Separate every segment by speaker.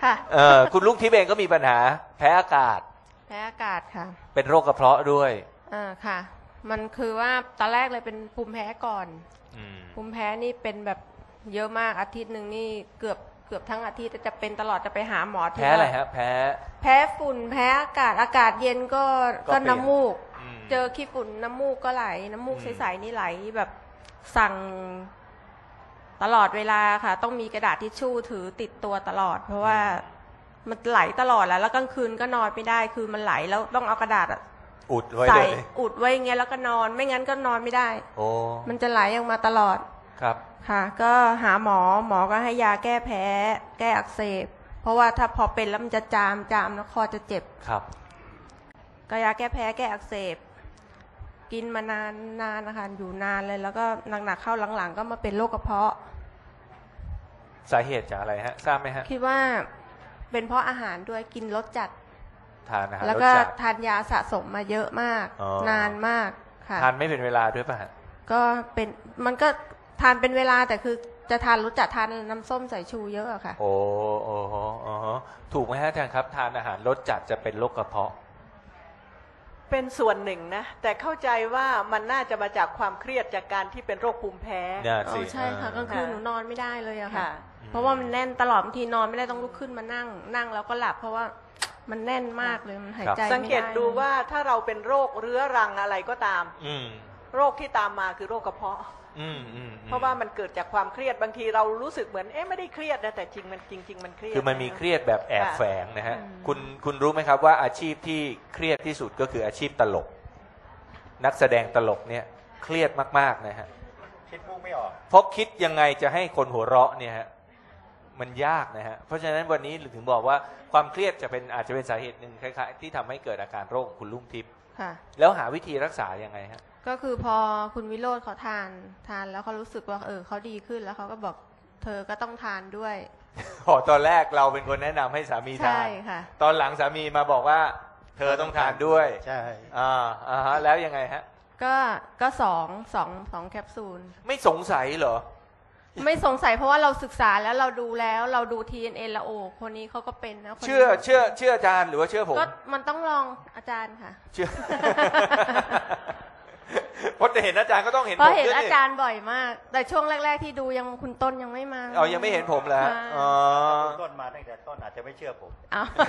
Speaker 1: ค่ะ
Speaker 2: คุณลุงทิพย์เองก็มีปัญหาแพ้อากาศ
Speaker 1: แพ้อากาศค่ะ
Speaker 2: เป็นโรคกระเพาะด้วย
Speaker 1: ค่ะมันคือว่าตอนแรกเลยเป็นภูมิแพ้ก่อนภูมิแพ้นี่เป็นแบบเยอะมากอาทิตย์หนึ่งนี่เกือบทั้งอาทิตย์จะเป็นตลอดจะไปหาหมอ
Speaker 2: แพ้อะไรฮะแพ้
Speaker 1: ฝุ่นแพ้อากาศเย็นก็น้ำมูกเจอขี้ฝุ่นน้ำมูกก็ไหลน้ำมูกใสๆนี่ไหลแบบสั่งตลอดเวลาค่ะต้องมีกระดาษทิชชู่ถือติดตัวตลอดเพราะว่ามันไหลตลอดแล้วกลางคืนก็นอนไม่ได้คือมันไหลแล้วต้องเอากระดาษ
Speaker 2: อุดไว้
Speaker 1: ใส่อุดไว้อย่างเงี้ยแล้วก็นอนไม่งั้นก็นอนไม่ได้มันจะไหลออกมาตลอด
Speaker 2: ครับ
Speaker 1: ค่ะก็หาหมอก็ให้ยาแก้แพ้แก้อักเสบเพราะว่าถ้าพอเป็นแล้วมันจะจามแล้วคอจะเจ็บ
Speaker 2: ครับ
Speaker 1: ก็ยาแก้แพ้แก้อักเสบกินมานานนะคะอยู่นานเลยแล้วก็หนักๆเข้าหลังๆก็มาเป็นโรคกระเพาะ
Speaker 2: สาเหตุจากอะไรฮะทราบไหมฮะ
Speaker 1: คิดว่าเป็นเพราะอาหารด้วยกินรสจัด
Speaker 2: ทานอาหาร
Speaker 1: แล้วก็ทานยาสะสมมาเยอะมากนานมากค่ะ
Speaker 2: ทานไม่เป็นเวลาด้วยป่ะฮะ
Speaker 1: ก็เป็นมันก็ทานเป็นเวลาแต่คือจะทานรสจัดทานน้ำส้มสายชูเยอะอะค่ะ
Speaker 2: โอ้ถูกไหมฮะอาจารย์ครับทานอาหารรสจัดจะเป็นโรคกระเพาะ
Speaker 3: เป็นส่วนหนึ่งนะแต่เข้าใจว่ามันน่าจะมาจากความเครียดจากการที่เป็นโรคภูมิแพ้
Speaker 1: ใช่ค่ะกลางคืนหนูนอนไม่ได้เลยอะค่ะเพราะว่ามันแน่นตลอดบางทีนอนไม่ได้ต้องลุกขึ้นมานั่งแล้วก็หลับเพราะว่ามันแน่นมากเลยมันหายใจไม่ได้
Speaker 3: สังเกตดูว่าถ้าเราเป็นโรคเรื้อรังอะไรก็ตามโรคที่ตามมาคือโรคกระเพาะเพราะว่ามันเกิดจากความเครียดบางทีเรารู้สึกเหมือนไม่ได้เครียดนะแต่จริงมันเครียด
Speaker 2: คือมันมีเครียดแบบแอบแฝงนะฮะคุณรู้ไหมครับว่าอาชีพที่เครียดที่สุดก็คืออาชีพตลกนักแสดงตลกเนี่ยเครียดมากๆนะฮะ
Speaker 4: คิดมุกไม่ออก
Speaker 2: เพราะคิดยังไงจะให้คนหัวเราะเนี่ยฮะมันยากนะฮะเพราะฉะนั้นวันนี้ถึงบอกว่าความเครียดอาจจะเป็นสาเหตุหนึ่งคล้ายๆที่ทำให้เกิดอาการโรคของคุณลุงทิพย์แล้วหาวิธีรักษายังไงฮะ
Speaker 1: ก็คือพอคุณวิโรจน์เขาทานแล้วเขารู้สึกว่าเขาดีขึ้นแล้วเขาก็บอกเธอก็ต้องทานด้วย
Speaker 2: ตอนแรกเราเป็นคนแนะนำให้สามีทานตอนหลังสามีมาบอกว่าเธอต้องทานด้วย
Speaker 4: ใช่
Speaker 2: แล้วยังไงฮะ
Speaker 1: ก็สองแคปซูล
Speaker 2: ไม่สงสัยเหรอ
Speaker 1: ไม่สงสัยเพราะว่าเราศึกษาแล้วเราดู TNN แล้วคนนี้เขาก็เป็นนะ
Speaker 2: เชื่ออาจารย์หรือว่าเชื่อผม
Speaker 1: ก็มันต้องลองอาจารย์ค่ะ
Speaker 2: เชื่อเพราะเห็นอาจารย์ก็ต้องเห็นผม
Speaker 1: เพราะเห็นอาจารย์บ่อยมากแต่ช่วงแรกๆที่ดูยังคุณต้นยังไม่มา
Speaker 2: ยังไม่เห็นผมแล้ว
Speaker 4: ต้นมาตั้งแต่ต้นอาจจะไม่เชื่อผม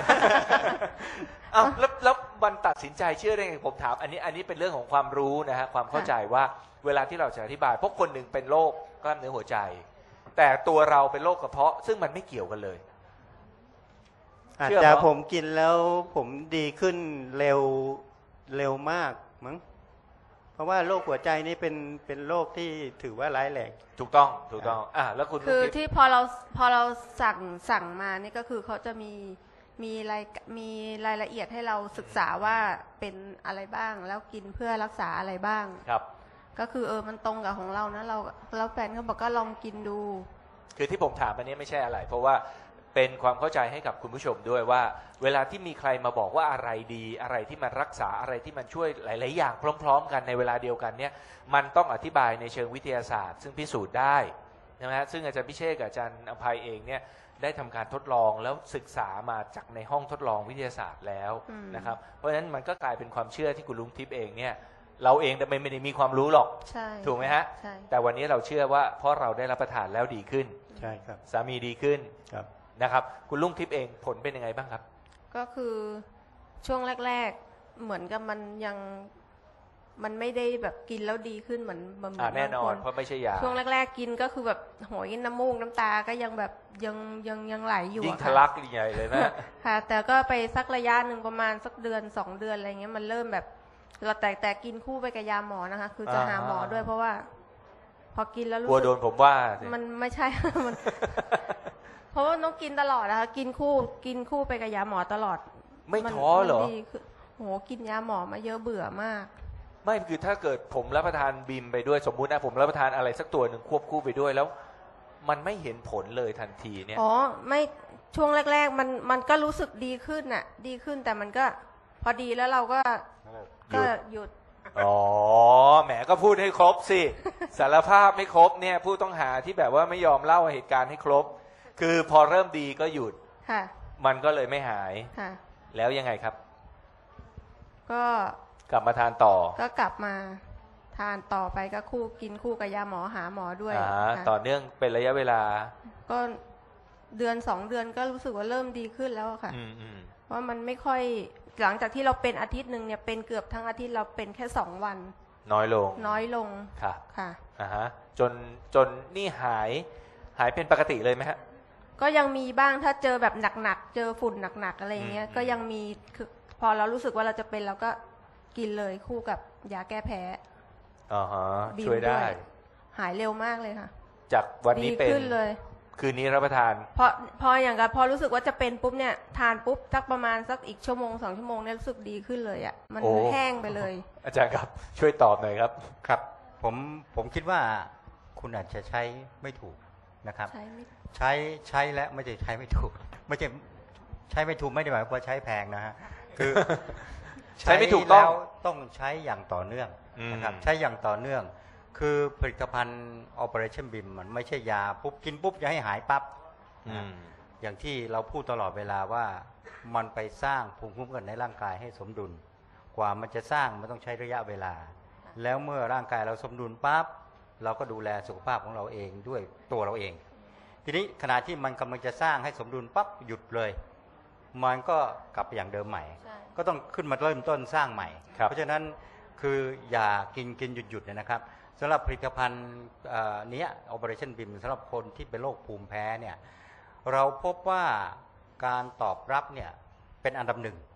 Speaker 2: แล้ววันตัดสินใจเชื่อได้ไงผมถามอันนี้เป็นเรื่องของความรู้นะฮะความเข้าใจว่าเวลาที่เราจะอธิบายเพราะคนหนึ่งเป็นโรคกล้ามเนื้อหัวใจแต่ตัวเราเป็นโรคกระเพาะซึ่งมันไม่เกี่ยวกันเลย
Speaker 4: อาจจะผมกินแล้วผมดีขึ้นเร็วมากมั้งเพราะว่าโรคหัวใจนี่เป็นโรคที่ถือว่าร้ายแรง
Speaker 2: ถูกต้องแล้วคุณ
Speaker 1: คือที่พอเราสั่งมานี่ก็คือเขาจะมีรายละเอียดให้เราศึกษาว่าเป็นอะไรบ้างแล้วกินเพื่อรักษาอะไรบ้าง
Speaker 2: ครับ
Speaker 1: ก็คือมันตรงกับของเรานะเราแฟนเขาบอกก็ลองกินดู
Speaker 2: คือที่ผมถามอันนี้ไม่ใช่อะไรเพราะว่าเป็นความเข้าใจให้กับคุณผู้ชมด้วยว่าเวลาที่มีใครมาบอกว่าอะไรดีอะไรที่มันรักษาอะไรที่มันช่วยหลายๆอย่างพร้อมๆกันในเวลาเดียวกันเนี่ยมันต้องอธิบายในเชิงวิทยาศาสตร์ซึ่งพิสูจน์ได้ใช่ไหมซึ่งอาจารย์พิเชษกับอาจารย์อภัยเองเนี่ยได้ทำการทดลองแล้วศึกษามาจากในห้องทดลองวิทยาศาสตร์แล้วนะครับเพราะฉะนั้นมันก็กลายเป็นความเชื่อที่คุณลุงทิพย์เองเนี่ยเราเองแต่ไม่ได้มีความรู้หรอกถูกไหมฮะแต่วันนี้เราเชื่อว่าเพราะเราได้รับประทานแล้วดีขึ้น
Speaker 4: ใช่ครับ
Speaker 2: สามีดีขึ้น
Speaker 4: ครับ
Speaker 2: นะครับคุณลุงทิพย์เองผลเป็นยังไงบ้างครับ
Speaker 1: ก็คือช่วงแรกๆเหมือนกับมันไม่ได้แบบกินแล้วดีขึ้นเหมือน
Speaker 2: แน่นอนเพราะไม่ใช่ยา
Speaker 1: ช่วงแรกๆกินก็คือแบบโหยน้ำมูกน้ำตาก็ยังแบบยังไหลอยู่
Speaker 2: ยิ่งทะลักใหญ่เลยนะ
Speaker 1: ค่ะแต่ก็ไปสักระยะหนึ่งประมาณสักเดือน2 เดือนอะไรเงี้ยมันเริ่มแบบเราแต่กินคู่ไปกับยาหมอนะคะคือจะหาหมอด้วยเพราะว่าพอกินแล้วรู้สึก
Speaker 2: กลัวโดนผมว่า
Speaker 1: มันไม่ใช่มันเพราะว่าต้องกินตลอดนะคะกินคู่ไปกับยาหมอตลอด
Speaker 2: ไม่ท้อเหรอ
Speaker 1: โหกินยาหมอมาเยอะเบื่อมาก
Speaker 2: ไม่คือถ้าเกิดผมรับประทานบีมไปด้วยสมมุตินะผมรับประทานอะไรสักตัวหนึ่งควบคู่ไปด้วยแล้วมันไม่เห็นผลเลยทันทีเนี่ย
Speaker 1: ไม่ช่วงแรกๆมันก็รู้สึกดีขึ้นน่ะดีขึ้นแต่มันก็พอดีแล้วเราก็หยุด
Speaker 2: แหมก็พูดให้ครบสิสารภาพไม่ครบเนี่ยผู้ต้องหาที่แบบว่าไม่ยอมเล่าเหตุการณ์ให้ครบคือพอเริ่มดีก็หยุดมันก็เลยไม่หาย
Speaker 1: ค่ะ
Speaker 2: แล้วยังไงครับ
Speaker 1: ก็
Speaker 2: กลับมาทานต่อ
Speaker 1: ก็กลับมาทานต่อไปก็กินคู่กับยาหมอหาหมอด้วยค่ะ
Speaker 2: ต่อเนื่องเป็นระยะเวลา
Speaker 1: ก็เดือน2 เดือนก็รู้สึกว่าเริ่มดีขึ้นแล้วอะค่ะ เพราะมันไม่ค่อยหลังจากที่เราเป็นอาทิตย์หนึ่งเนี่ยเป็นเกือบทั้งอาทิตย์เราเป็นแค่2 วัน
Speaker 2: น้อยลง
Speaker 1: น้อยลง
Speaker 2: ค่ะ
Speaker 1: ค่ะ
Speaker 2: จนนี่หายเป็นปกติเลยไหมฮะ
Speaker 1: ก็ยังมีบ้างถ้าเจอแบบหนักๆเจอฝุ่นหนักๆอะไรอย่างเงี้ยก็ยังมีคือพอเรารู้สึกว่าเราจะเป็นเราก็กินเลยคู่กับยาแก้แพ้
Speaker 2: ช่วยได้
Speaker 1: หายเร็วมากเลยค่ะ
Speaker 2: จากวันนี้เป็น
Speaker 1: ดีขึ้นเลย
Speaker 2: คืนนี้รับประทาน
Speaker 1: พออย่างกับพอรู้สึกว่าจะเป็นปุ๊บเนี่ยทานปุ๊บสักประมาณสักอีก1-2 ชั่วโมงเนี่ยรู้สึกดีขึ้นเลยอ่ะมัน
Speaker 2: โอ้
Speaker 1: แห้งไปเลย
Speaker 2: อาจารย์ครับช่วยตอบหน่อยครับ
Speaker 5: ครับผมคิดว่าคุณอาจจะใช้ไม่ถูกนะครับ
Speaker 1: ใช่ไหม
Speaker 5: ใช้และไม่ใช่ใช้ไม่ถูก ไม่ใช่ใช้ไม่ถูกไม่ได้หมายความว่าใช้แพงนะฮะคือ
Speaker 2: ใช้ไม่ถูกต้อง
Speaker 5: แล้วต้องใช้อย่างต่อเนื่องนะครับใช้อย่างต่อเนื่อง คือผลิตภัณฑ์ Operation BIM มันไม่ใช่ยาปุ๊บกินปุ๊บจะให้หายปั๊บนะอย่างที่เราพูดตลอดเวลาว่ามันไปสร้างภูมิคุ้มกันในร่างกายให้สมดุล กว่ามันจะสร้างมันต้องใช้ระยะเวลา แล้วเมื่อร่างกายเราสมดุลปั๊บเราก็ดูแลสุขภาพของเราเองด้วยตัวเราเอง ทีนี้ขณะที่มันกำลังจะสร้างให้สมดุลปั๊บหยุดเลย มันก็กลับไปอย่างเดิมใหม่ ก็ต้องขึ้นมาเริ่มต้นสร้างใหม่ เพราะฉะนั้นคืออย่ากินหยุดเนี่ยนะครับสำหรับผลิตภัณฑ์นี้ Operation BIM สำหรับคนที่เป็นโรคภูมิแพ้เนี่ยเราพบว่าการตอบรับเนี่ยเป็นอันดับหนึ่ง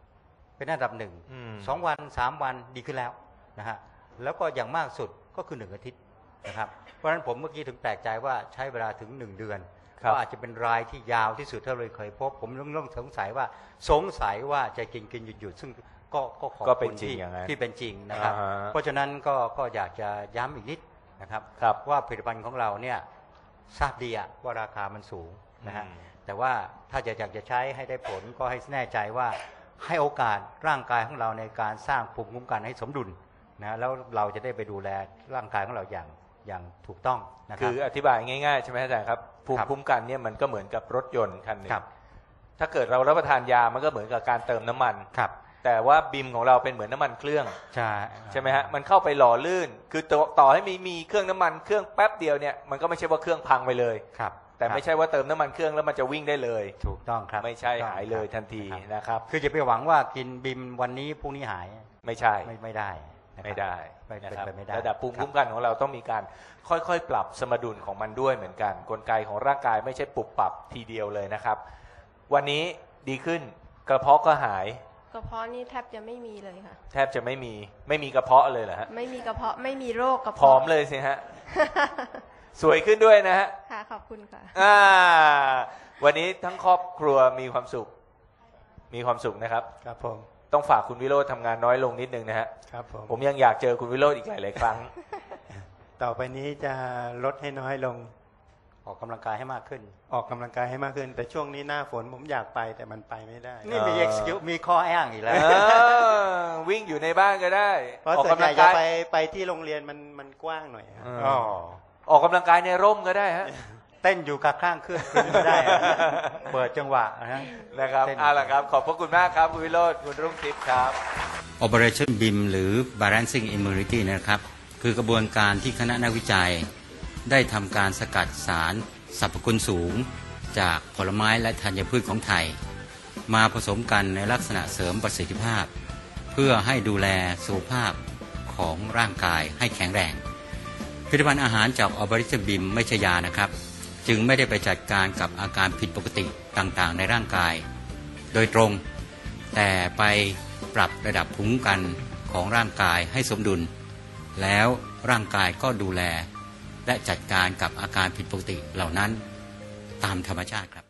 Speaker 5: 2 วัน 3 วันดีขึ้นแล้วนะฮะแล้วก็อย่างมากสุดก็คือ1 อาทิตย์นะครับเพราะฉะนั้นผมเมื่อกี้ถึงแปลกใจว่าใช้เวลาถึง1 เดือนก็อาจจะเป็นรายที่ยาวที่สุดที่เราเคยพบผมต้องสงสัยว่าจะกินหยุดซึ่งก็ขอบคุณที่เป็นจริงนะครับเพราะฉะนั้นก็อยากจะย้ำอีกนิดนะครับว่าผลิตภัณฑ์ของเราเนี่ยทราบดีว่าราคามันสูงนะฮะแต่ว่าถ้าอยากจะใช้ให้ได้ผลก็ให้แน่ใจว่าให้โอกาสร่างกายของเราในการสร้างภูมิคุ้มกันให้สมดุลนะแล้วเราจะได้ไปดูแลร่างกายของเราอย่างถูกต้องนะครับ
Speaker 2: คืออธิบายง่ายๆใช่ไหมอาจารย์ครับภูมิคุ้มกันเนี่ยมันก็เหมือนกับรถยนต์คันหนึ่งถ้าเกิดเรารับประทานยามันก็เหมือนกับการเติมน้ำมันแต่ว่าบิมของเราเป็นเหมือนน้ำมันเครื่องใช่ไหมฮะมันเข้าไปหล่อลื่นคือต่อให้มีเครื่องน้ำมันเครื่องแป๊บเดียวเนี่ยมันก็ไม่ใช่ว่าเครื่องพังไปเลยแต่ไม่ใช่ว่าเติมน้ำมันเครื่องแล้วมันจะวิ่งได้เลย
Speaker 5: ถูกต้องครับ
Speaker 2: ไม่ใช่หายเลยทันทีนะครับ
Speaker 5: คือจะไปหวังว่ากินบิมวันนี้พรุ่งนี้หาย
Speaker 2: ไม่ใช่
Speaker 5: ไม่ได้
Speaker 2: นะครับระดับภูมิคุ้มกันของเราต้องมีการค่อยๆปรับสมดุลของมันด้วยเหมือนกันกลไกของร่างกายไม่ใช่ปรับปรับทีเดียวเลยนะครับวันนี้ดีขึ้นกระเพาะก็หาย
Speaker 1: กระเพาะนี่แทบจะไม่มีเลยค่ะ
Speaker 2: แทบจะไม่มีกระเพาะเลยเหรอฮะ
Speaker 1: ไม่มีกระเพาะไม่มีโรคกระเพาะ
Speaker 2: ผอมเลยสิฮะ สวยขึ้นด้วยนะฮะ
Speaker 1: ค่ะขอบคุณค่ะ
Speaker 2: วันนี้ทั้งครอบครัวมีความสุขนะครับ
Speaker 4: ครับผม
Speaker 2: ต้องฝากคุณวิโรจน์ทำงานน้อยลงนิดนึงนะฮะ
Speaker 4: ครับ
Speaker 2: ผมยังอยากเจอคุณวิโรจน์อีกหลายๆครั้ง
Speaker 4: ต่อไปนี้จะลดให้น้อยลง
Speaker 5: ออกกำลังกายให้มากขึ้น
Speaker 4: แต่ช่วงนี้หน้าฝนผมอยากไปแต่มันไปไม่ได้
Speaker 5: นี่มี excuse มีข้ออ้างอีกแล้ว
Speaker 2: วิ่งอยู่ในบ้านก็ได้
Speaker 4: เพราะส่วนใหญ่จะไปที่โรงเรียนมันกว้างหน่อย
Speaker 2: ออกกำลังกายในร่มก็ได้ฮะ
Speaker 5: เต้นอยู่กับข้างเครื่องก็ได้เปิดจังหวะ
Speaker 2: นะครับเอาล่ะครับขอบพระคุณมากครับคุณวิโรจน์คุณรุ่งทิพย์ครับ
Speaker 6: Operation BIM หรือ Balancing Immunity นะครับคือกระบวนการที่คณะนักวิจัยได้ทำการสกัดสารสรรพคุณสูงจากผลไม้และธัญพืชของไทยมาผสมกันในลักษณะเสริมประสิทธิภาพเพื่อให้ดูแลสุขภาพของร่างกายให้แข็งแรงผลิตภัณฑ์อาหารจาก Operation BIM ไม่ใช่ยานะครับจึงไม่ได้ไปจัดการกับอาการผิดปกติต่างๆในร่างกายโดยตรงแต่ไปปรับระดับภูมิคุ้มกันของร่างกายให้สมดุลแล้วร่างกายก็ดูแลและจัดการกับอาการผิดปกติเหล่านั้นตามธรรมชาติครับ